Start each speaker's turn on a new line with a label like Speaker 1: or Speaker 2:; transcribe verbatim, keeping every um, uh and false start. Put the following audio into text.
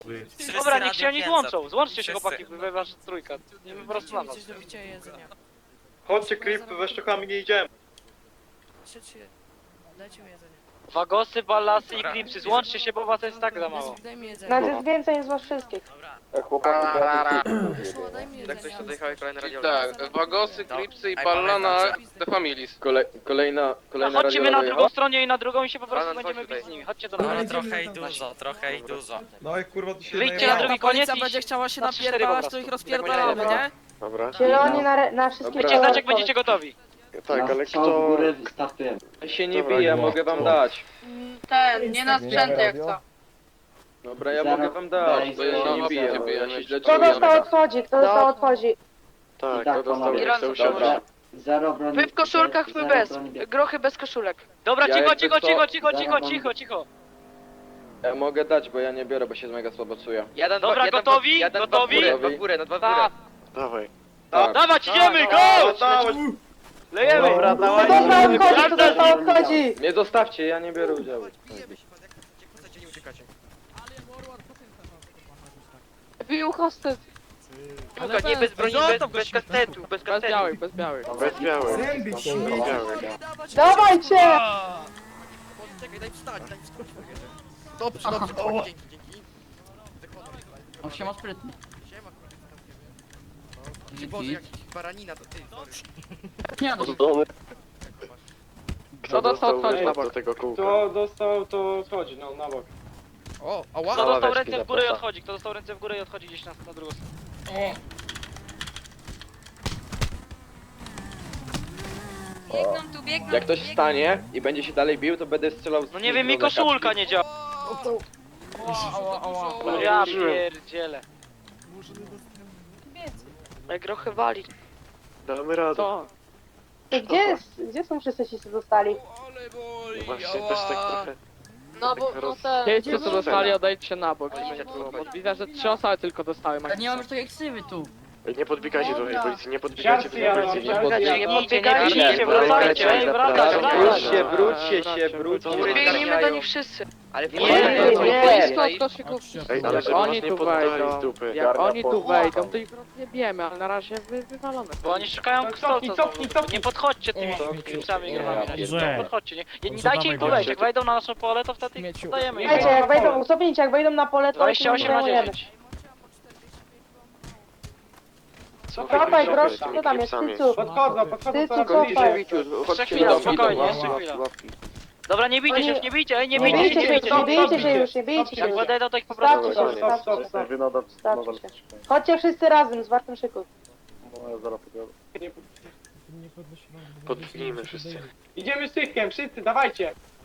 Speaker 1: Dobra, niech się oni złączą. Złączcie się chłopaki, wy wasza trójka. Nie po prostu na nas.
Speaker 2: Coś do picia i jedzenia.
Speaker 3: Chodźcie, Krip, we szczokami nie idziemy.
Speaker 2: Siedźcie, dajcie mi jedzenie.
Speaker 1: Wagosy, ballasy i klipsy, złączcie się, bo was jest tak za mało.
Speaker 2: Daj mi jedzenie.
Speaker 4: Nas jest więcej niż was wszystkich.
Speaker 3: Chłopaki,
Speaker 2: Szło, daj mi
Speaker 5: Tak
Speaker 2: jedzenie.
Speaker 5: ktoś tutaj jechał kolejny radio.
Speaker 6: Tak, Wagosy, Klipsy i Ballana The Families.
Speaker 3: Kolej, kolejna,
Speaker 1: No
Speaker 3: kolejna
Speaker 1: chodźcie my na drugą stronę i na drugą i się po prostu
Speaker 5: Banan,
Speaker 1: będziemy
Speaker 5: chodź
Speaker 1: bić z
Speaker 5: tutaj.
Speaker 1: nimi. Chodźcie do
Speaker 7: Ale
Speaker 1: nas.
Speaker 7: trochę i dużo, trochę i dużo.
Speaker 8: No i kurwa ty się
Speaker 1: Wyjdźcie na
Speaker 8: najebał.
Speaker 1: drugi
Speaker 2: Jak ta policja
Speaker 1: koniec i...
Speaker 2: będzie chciała się
Speaker 1: na trzy, cztery
Speaker 2: napierdalać,
Speaker 1: po
Speaker 2: to ich
Speaker 1: prostu.
Speaker 2: rozpierdalamy, nie?
Speaker 3: Dobra.
Speaker 4: Zieloni na, re- na wszystkie
Speaker 3: Dobra.
Speaker 1: Wiecie znać jak
Speaker 4: kolor.
Speaker 1: będziecie gotowi.
Speaker 3: Tak, ale
Speaker 9: w
Speaker 3: kto...
Speaker 9: górę wystartujemy.
Speaker 3: się nie bije, mogę wam dać.
Speaker 4: Ten, nie na sprzęty jak co.
Speaker 3: Dobra, ja
Speaker 9: Zero.
Speaker 3: mogę wam dać,
Speaker 9: Daj,
Speaker 3: bo ja się
Speaker 6: zero.
Speaker 3: nie biję,
Speaker 6: Nie
Speaker 3: bo ja się źle
Speaker 4: Kto
Speaker 3: czuję.
Speaker 4: dostał odchodzi, kto dostał odchodzi.
Speaker 9: Tak, to dostał,
Speaker 3: nie chce usiąść.
Speaker 9: Dobra. Zero broni.
Speaker 4: Wy w koszulkach, my
Speaker 9: zero
Speaker 4: bez.
Speaker 9: broni bieg-
Speaker 4: Grochy bez koszulek.
Speaker 1: Dobra,
Speaker 3: Ja
Speaker 1: cicho,
Speaker 3: jakby
Speaker 1: cicho,
Speaker 3: co-
Speaker 1: cicho, cicho,
Speaker 9: Zaraz
Speaker 1: cicho,
Speaker 9: mam-
Speaker 1: cicho, cicho.
Speaker 3: Ja mogę dać, bo ja nie biorę, bo się mega słabo czuję.
Speaker 5: Jeden,
Speaker 1: Dobra,
Speaker 5: dwa, jeden,
Speaker 1: gotowi?
Speaker 5: Jeden, dwa w
Speaker 1: Gotowi?
Speaker 5: górę, dwa w górę, no dwa w górę.
Speaker 1: Tak.
Speaker 3: Dawaj.
Speaker 1: Dawać, idziemy, go! Lejemy!
Speaker 3: Dobra,
Speaker 4: Kto dostał odchodzi, kto dostał odchodzi.
Speaker 3: Nie zostawcie, ja nie biorę udziału.
Speaker 5: Bijemy się, pan, jak nie kłócacie, nie uciekacie.
Speaker 4: Bił hostet.
Speaker 5: Piłka, nie bez broni, bez, bez kastetu, bez kastetu.
Speaker 6: bez białych.
Speaker 3: Bez białych.
Speaker 8: Zębić się.
Speaker 3: Bez białych.
Speaker 4: Dawajcie!
Speaker 5: Czekaj, daj wstać, daj wstać. Dobrze, dobrze, o, dzięki, dzięki.
Speaker 9: On się ma sprytny.
Speaker 5: Siema, kurwa. Boże, jakiś baranina to ty, sorry.
Speaker 9: Nie no,
Speaker 3: Kto dostał odchodzi na bok? Do tego kółka.
Speaker 8: Kto dostał, to schodzi, no na bok.
Speaker 5: O, ała.
Speaker 1: Kto dostał
Speaker 3: ławeczki
Speaker 1: ręce w górę i
Speaker 3: zapraszam.
Speaker 1: odchodzi? Kto dostał ręce w górę i odchodzi gdzieś na, na drugą stronę?
Speaker 4: Biegną tu, biegną
Speaker 3: Jak ktoś wstanie i będzie się dalej bił, to będę strzelał z
Speaker 1: No nie wiem, mi koszulka nie działa. Ja pierdzielę.
Speaker 4: Jak grochy wali.
Speaker 3: Damy radę.
Speaker 1: Co?
Speaker 4: Gdzie, jest, gdzie są wszyscy ci, co dostali?
Speaker 5: Ale boli,
Speaker 3: Właśnie też tak trochę...
Speaker 4: No bo no ten...
Speaker 6: Wiecie co dostali, odejdźcie się na bok.
Speaker 5: Policja tu odchodzi.
Speaker 6: Widzę, że trzy osoby tylko dostały.
Speaker 9: nie mam już takiej ksywy tu.
Speaker 3: Nie podbiegajcie
Speaker 4: do tej
Speaker 3: policji, nie
Speaker 8: podbiegajcie do tej policji, nie
Speaker 1: Nie
Speaker 4: Nie
Speaker 1: podbiegajcie,
Speaker 4: podbiegajcie,
Speaker 1: nie wracajcie, ej, wracać,
Speaker 3: Wróćcie,
Speaker 1: wracać.
Speaker 3: wróćcie się, wróćcie.
Speaker 4: Biegnijmy do nich wszyscy.
Speaker 5: Ale
Speaker 1: Nie,
Speaker 5: nie,
Speaker 3: nie. Ej, ale żeby
Speaker 6: Oni
Speaker 3: nas nie
Speaker 6: tu
Speaker 3: poddali
Speaker 6: wejdą.
Speaker 3: z dupy.
Speaker 6: Jak oni tu wejdą, to ich rozjebiemy, ale na razie wy, wywalone.
Speaker 1: Bo oni szukają
Speaker 8: No,
Speaker 1: kto
Speaker 8: cofnij,
Speaker 1: co
Speaker 8: cofnij, cofnij.
Speaker 1: Nie podchodźcie tymi
Speaker 8: Cofnij.
Speaker 1: klipsami grobami. na
Speaker 8: Dobrze.
Speaker 1: Nie podchodźcie, nie, nie, nie dajcie im tu wejść. Jak wejdą na nasze pole, to wtedy ich dajemy.
Speaker 4: Słuchajcie, jak wejdą, cofnijcie, jak wejdą na pole, to
Speaker 1: dwadzieścia osiem na
Speaker 4: zajmujemy.
Speaker 1: dziewięć.
Speaker 4: Cofaj, grosz, co tam jest, tycu?
Speaker 8: Podchodzą, podchodzą
Speaker 4: Ty,
Speaker 8: coraz
Speaker 4: co,
Speaker 8: bliżej.
Speaker 4: cofaj.
Speaker 1: Jeszcze chwila, spokojnie, jeszcze chwila. Dobra, nie bijcie się już, nie bijcie, ej, nie
Speaker 4: Nie
Speaker 1: bijcie się,
Speaker 4: bijcie
Speaker 1: nie
Speaker 4: się,
Speaker 1: bijcie
Speaker 4: nie
Speaker 1: się.
Speaker 4: bijcie się już, nie bijcie się
Speaker 1: Jak
Speaker 4: już.
Speaker 1: podejdą, to ich po prostu...
Speaker 4: Stawcie się, stawcie się, stawcie się. Chodźcie wszyscy razem, z wartym szyku.
Speaker 3: Podpnijmy wszyscy.
Speaker 8: Idziemy z tychkiem, wszyscy, dawajcie.